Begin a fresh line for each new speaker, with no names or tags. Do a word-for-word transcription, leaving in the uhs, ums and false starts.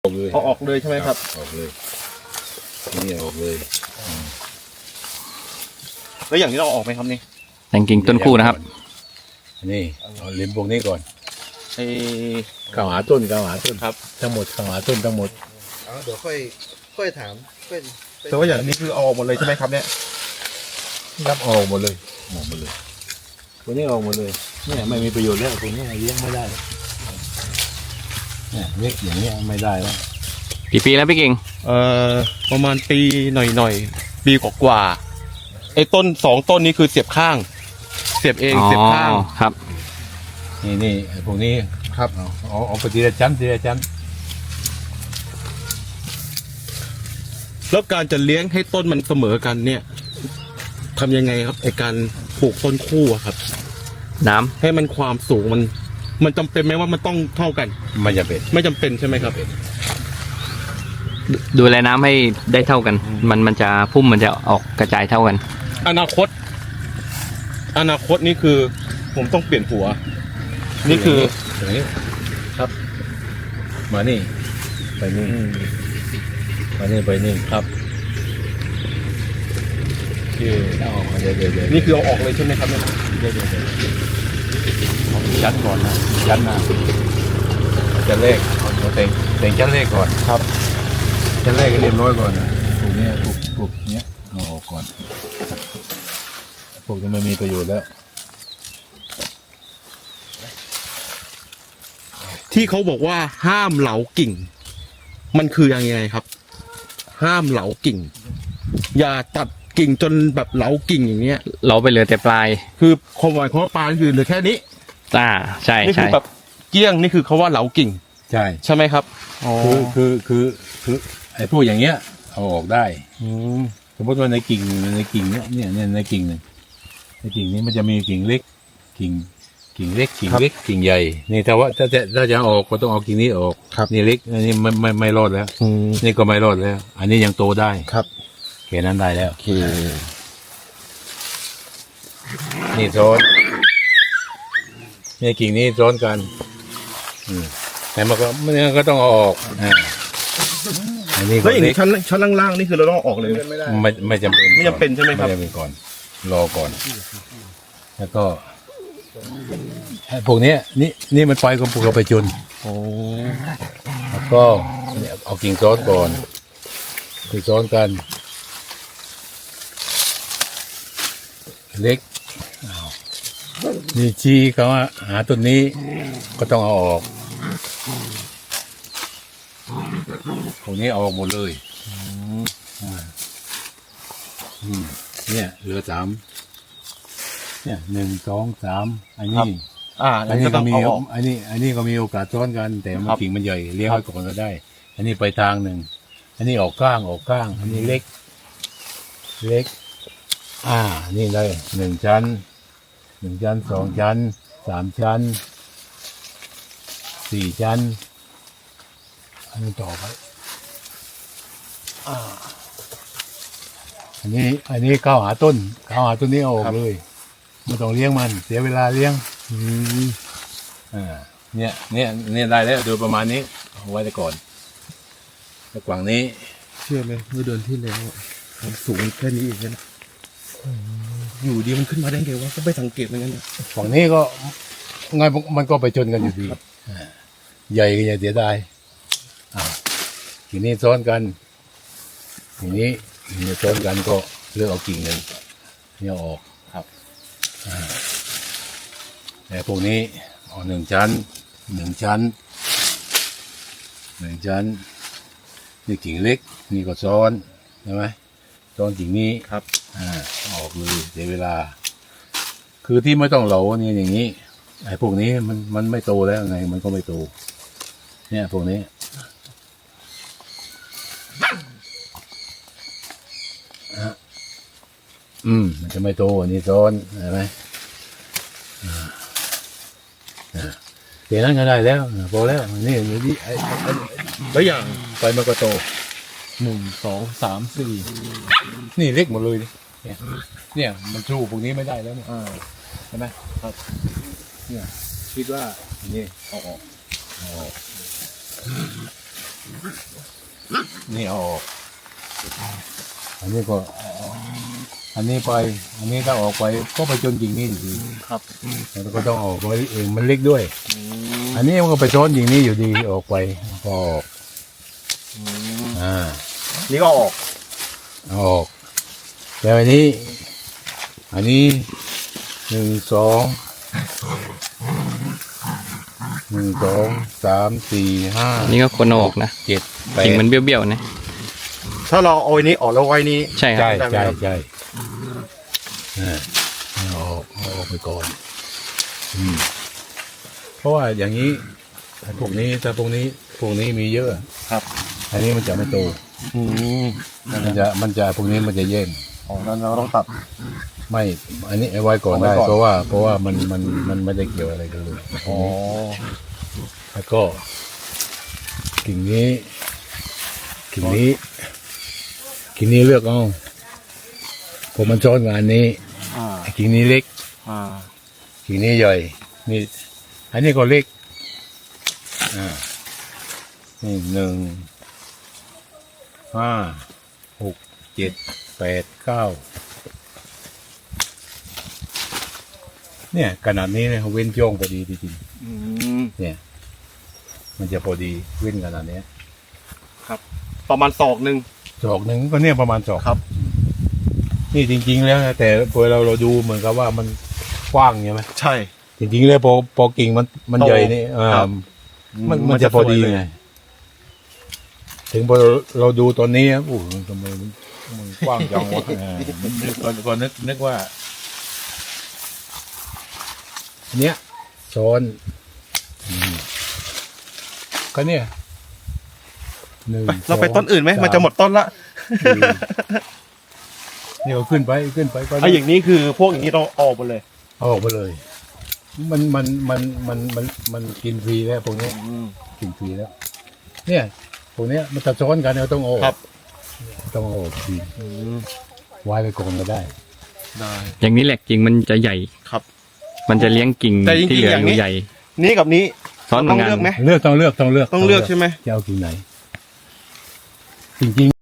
ออกเลย
เอาออกเลยใช่ไหมครับ
ออกเลยนี่ออกเลย
แล้วอย่างนี้เราออกไหมครับนี่
แต่งกิ่งต้นคู่นะครับ
นี่เอาเล็มพวกนี้ก่อน
ไอ้
ข้าวหาต้นข้าวหาต้นครับทั้งหมดข้าวหาต้นทั้งหมด
อ๋อเดี๋ยวค่อยค่อยถามค่อย
แต่ว่าอย่างนี้คือเอาออกหมดเลยใช่ไหมครับเนี่ย
รับออกหมดเลยออกหมดเลยพวกนี้ออกหมดเลยเนี่ยไม่มีประโยชน์แล้วพวกนี้เลี้ยงไม่ได้เนี่ยเล็กอย่างนี้ไม่ได้แล้ว
กี่ปีแล้วพี่กิ่ง
เอ่อประมาณปีหน่อยๆปีกว่าๆไอ้ต้นสองต้นนี้คือเสียบข้างเสียบเองเสียบข้าง
ครับ
นี่นี่พวกนี้ครับเอาเอาเอาไปทีละชั้นทีละชั้น
แล้วการจะเลี้ยงให้ต้นมันเสมอกันเนี่ยทำยังไงครับไอ้การปลูกต้นคู่อะครับ
น้ำ
ให้มันความสูงมันมันจำเป็นไหมว่ามันต้องเท่ากัน
ไม่จำเป็น
ไม่จำเป็นใช่ไหมครับ
ดูแลน้ำให้ได้เท่ากันมันมันจะพุ่มมันจะออกกระจายเท่ากัน
อนาคตอนาคตนี่คือผมต้องเปลี่ยนหัวนี่คือ
อย่างนี้ครับมานี่ไปนี่มานี่ไปนี่ครับเอาออกเดี๋ยวเดี๋ยว
นี่คือเอาออกเลยใช่ไหมครับเนี่ย
เดี๋ยวเดี๋ยวเดี๋ยวยัดก่อนนะยัดนะจะเลขเอาเต็งเต็งชั้นเลขก่อนครับชั้นเลขก็เรียบร้อยก่อนนะพวกนี้พวกพวกเนี้ยเอาออกก่อนพวกนี้ไม่มีประโยชน์แล้ว
ที่เขาบอกว่าห้ามเหลากิ่งมันคือยังไงครับห้ามเหลากิ่งอย่าตัดกิ่งจนแบบเหลากิ่งอย่างเงี้ย
เหลาไปเหลือแต่ปลาย
คือความหมายของปลายคือเหลือแค่นี้
อ่าใช่
นี่คือแบบเกี้ยงนี่คือเขาว่าเหลากิ่ง
ใช่
ใช่ไหมครับ
คือคือคือคือไอ้พวกอย่างเงี้ยเอาออกได้สมมติว่าในกิ่งในกิ่งเนี้ยเนี่ยเนี่ยในกิ่งหนึ่งในกิ่งนี้มันจะมีกิ่งเล็กกิ่งกิ่งเล็กกิ่งเล็กกิ่งใหญ่นี่ถ้าว่าถ้าจะถ้าจะออกก็ต้องเอากิ่งนี้ออกนี่เล็กอันนี้ไม่ไม่ไม่รอดแล้วนี่ก็ไม่รอดแล้วอันนี้ยังโตได้
ครับ
แค่นั้นได้แล้ว
โอเค
นี่ซ้อนนี่กิ่งนี้ซ้อนกันแต่มันก็มันก็ต้องเอาออกอ่าอันนี้
แล้วอย่างนี้ชั้นชั้นล่างๆนี่คือเราต้องออกเลย
ไม่ไม่จำเป็น
ไม่จำเป็นใช่ไหมครับ
ไม่จำเป็นก่อนรอก่อนแล้วก็พวกนี้นี่นี่มันไปกับปลูกเราไปจุนแล้วก็เอากิ่งซ้อนก่อนกิ่งซ้อนกันเล็กนี่ชี้เขาหาต้นนี้ก็ต้องเอาออกพวกนี้เอาออกหมดเลยเนี่ยเหลือสามเนี่ยหนึ่งสองสามอันนี้
อ่า
อันนี้ก็มีอันนี้อันนี้ก็มีโอกาสซ้อนกันแต่มันกิ่งมันใหญ่เลี้ยงไว้ก่อนก็ได้อันนี้ไปทางหนึ่งอันนี้ออกก้างออกก้างอันนี้เล็กเล็กอ่านี่เลยหนึ่งชั้นหนึ่งชั้นสองชั้นสามชั้นสี่ชั้นอันนี้ต่อไปอ่าอันนี้อันนี้เข้าหาต้นเข้าหาต้นนี้ออกเลยไม่ต้องเลี้ยงมันเสียเวลาเลี้ยงอืมอ่าเนี่ยเนี่ยเนี่ยได้แล้วโดยประมาณนี้เอาไว้ก่อนแล้วกว่างนี้
เชื่อไหมเมื่อเดือนที่แล้วความสูงแค่นี้เองนะอยู่ดีมันขึ้นมาได้ไงวะก็ไปสังเกตเหมือนกัน
ฝั่งนี้ก็ไงมันก็ไปจนกันอยู่ดีใหญ่ก็ใหญ่เสียดายทีนี้ซ้อนกันทีนี้ทีนี้ซ้อนกันก็เลือกเอากิ่งหนึ่งเนี่ยออกครับแต่พวกนี้เอาหนึ่งชั้นหนึ่งชั้นหนึ่งชั้นนี่กิ่งเล็กนี่ก็ซ้อนใช่ไหมซ้อนกิ่งนี้
ครับ
อ่าออกเลยเสียเวลาคือที่ไม่ต้องเหลาเนี่ยอย่างนี้ไอ้พวกนี้มันมันไม่โตแล้วไงมันก็ไม่โตเนี่ยพวกนี้อืมมันจะไม่โตอันนี้ซ้อนเห็นไหมเดี๋ยวนั้นก็ได้แล้วพอแล้วนี่นี่ไอ้
แล้วอย่าง
ไปมันก็โต
หนึ่งสองสามสี่
นี่เล็กหมดเลยเนี่ยเนี่ยมันสู้พวกนี้ไม่ได้แล้วเนี่ยใช่ไหมครับเนี่ยคิดว่านี่เอาออกเอาออกนี่เอาออก อันนี้ก็อันนี้ไป อันนี้ถ้าออกไปก็ไปจนกิ่งนี้อยู่ดี
ครับ
แล้วก็ต้องออกไว้เองมันเล็กด้วย อันนี้มันก็ไปซ้อนกิ่งนี้อยู่ดีออกไปก็ออกอ่า
นี่ก็ออก
เอาออกแล้วอันนี้ อันนี้หนึ่งสองหนึ่งสองสามสี่ห้า
นี่ก็คนเอาออกนะ
เจ็ดแปด
กิ่งมันเบี้ยวๆนะ
ถ้าเราเอาไอ้นี้ออกแล้วไว้นี้
ใช่ครับ
ใช่
ได้ไหม
ใช่
ครับ
ใช่อ่าเอาออกเอาออกไปก่อนอืมเพราะว่าอย่างนี้ถ้าพวกนี้ถ้าพวกนี้พวกนี้มีเยอะ
ครับ
อันนี้มันจะไม่โต
อืม
มันจะมันจะพวกนี้มันจะแย่ง
อ๋อนั้นเราต้องตัด
ไม่ อันนี้เอาไว้ก่อน
เอาไว้
ได้
ก่อน
เพราะว่าเพราะว่ามันมันมันไม่ได้เกี่ยวอะไรกันเลย
อ๋อ
แล้วก็กิ่งนี้กิ่งนี้กิ่งนี้เลือกเอาผมมันซ้อนงานนี้
อ่า
ไอ้กิ่งนี้เล็ก
อ่า
กิ่งนี้ใหญ่นี่อันนี้ก็เล็กอ่านี่หนึ่งห้าหกเจ็ดแปดเก้าเนี่ยขนาดนี้เนี่ยเว้นย่องพอดีจริง
อืม
ๆเนี่ย มันจะพอดีเว้นขนาดเนี้ย
ประมาณศอกหนึ่ง
ศอกหนึ่งก็เนี่ยประมาณศอก
ครับ
นี่จริง ๆ แล้วนะแต่พอเราเราดูเหมือนกับว่ามันกว้างใช่ไหม
ใช่
จริงๆแล้วพอพอกิ่งมันมัน
โต
ใหญ่นี่เออ
ครับ
มัน
มั
มัน
น
จะ
จะ
พอดี
สวยเลย
ไงถึงพอเราเราดูตอนนี้โอ้โหมันทำไมมันมันกว้างจังวะเออนึกก่อนก่อนนึกนึกว่า เนี้ยซ้อนอืมก็เนี่ยหนึ่ง
ไปเราไป
สอง
ต้นอื่นไหม
สา
มันจะหมดต้นละ
สี่เนี่ยเอาขึ้นไปขึ้นไปก็
ไอ้อย่างนี้คือพวกอย่างนี้ต้องออกหมดเลย
เอาออกไปเลย มันมันมันมันมันมันกินฟรีแล้วพวกเนี้ยกินฟรีแล้ว เนี่ยพวกเนี้ยมันจะซ้อนกันเราต้องเอาออก
ครับ
ต้องเอาออกทีไว้ไปก่อนก็ได้
ได้
อย่างนี้แหละกิ่งมันจะใหญ่
ครับ
มันจะเลี้ยงกิ่ง
แต่จริงๆ
ที่เหลือ
อย่าง
อ
นี้
ยู่ใหญ่
นี่กับนี้
ซ้อนเหมื
ต้
อ
อง
นกัน
เลือกไหม
เลือกต้องเลือกต้องเลือก
ต้องเลือกใช่ไหม
จะเอากิ่งไหน จริงๆ